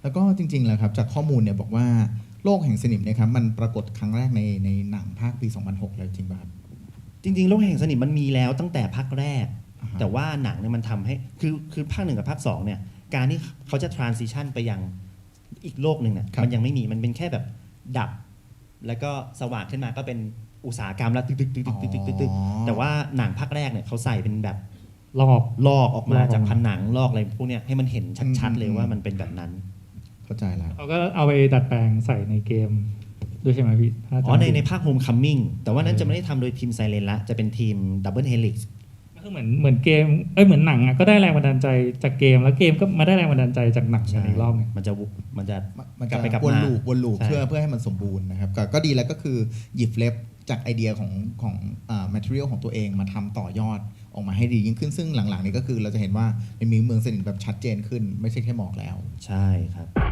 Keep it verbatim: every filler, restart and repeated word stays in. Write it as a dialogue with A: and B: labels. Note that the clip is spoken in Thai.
A: แล้วก็จริงๆแล้วครับจากข้อมูลเนี่ยบอกว่าโลกแห่งสนิมเนี่ยครับมันปรากฏครั้งแรกในในหนังภาคปีสองพันหกเลยจริงป่ะครับ
B: จริงๆโลกแห่งสนิมมันมีแล้วตั้งแต่ภาคแรก
A: อ่าฮะ
B: แต่ว่าหนังเนี่ยมันทำให้คือคือภาคหนึ่งกับภาคสองเนี่ยการที่เขาจะ transition ไปยังอีกโลกหนึ่งเนี่ย
A: ครับ
B: มันยังไม่มีมันเป็นแค่แบบดับ แล้วก็สว่างขึ้นมาก็เป็นอุตสาหกรรมแล้วตึกตึกตึกตึกตึกตึกตึกแต่ว่าหนังภาคแรกเนี่ยเขาใส่เป็นแบบ
C: รอบ
B: ลอกออกมา
C: ลอกออกมา
B: จากผนังลอกอะไรพวกเนี้ยให้มันเห็นชัดๆเลยว่ามันเป็นแบบนั้น
A: เข้าใจแล้ว
C: เขาก็เอาไปดัดแปลงใส่ในเกมด้วยใช่ไหมพี่ถ้าจำ
B: อ๋อใน
C: ไม่ผิด
B: ในภาค Homecoming แต่ว่านั้นจะไม่ได้ทำโดยทีม Silent ละจะเป็นทีม Double Helix
C: ก็คือเหมือนเหมือนเกมเอ้ยเหมือนหนังอ่ะก็ได้แรงบันดาลใจจากเกมแล้วเกมก็มาได้แรงบันดาลใจจากหนังกันอีกรอบหนึง
B: มันจะวุมันจะ
A: มัน
B: ก
A: จะ
B: ลับไปกลับ
A: วน
B: มา
A: ลูปวนลูป
B: ใช่
A: เพื่อเพื่อให้มันสมบูรณ์นะครับก็ก็ดีแล้วก็คือหยิบเล็บจากไอเดียของของอ่า material ของตัวเองมาทำต่อยอดออกมาให้ดียิ่งขึ้นซึ่งหลังๆนี้ก็คือเราจะเห็นว่ามันมีเมืองสนิทแบบชัดเจนขึ้นไม่ใช่แค่หมอกแล้ว
B: ใช่ครับ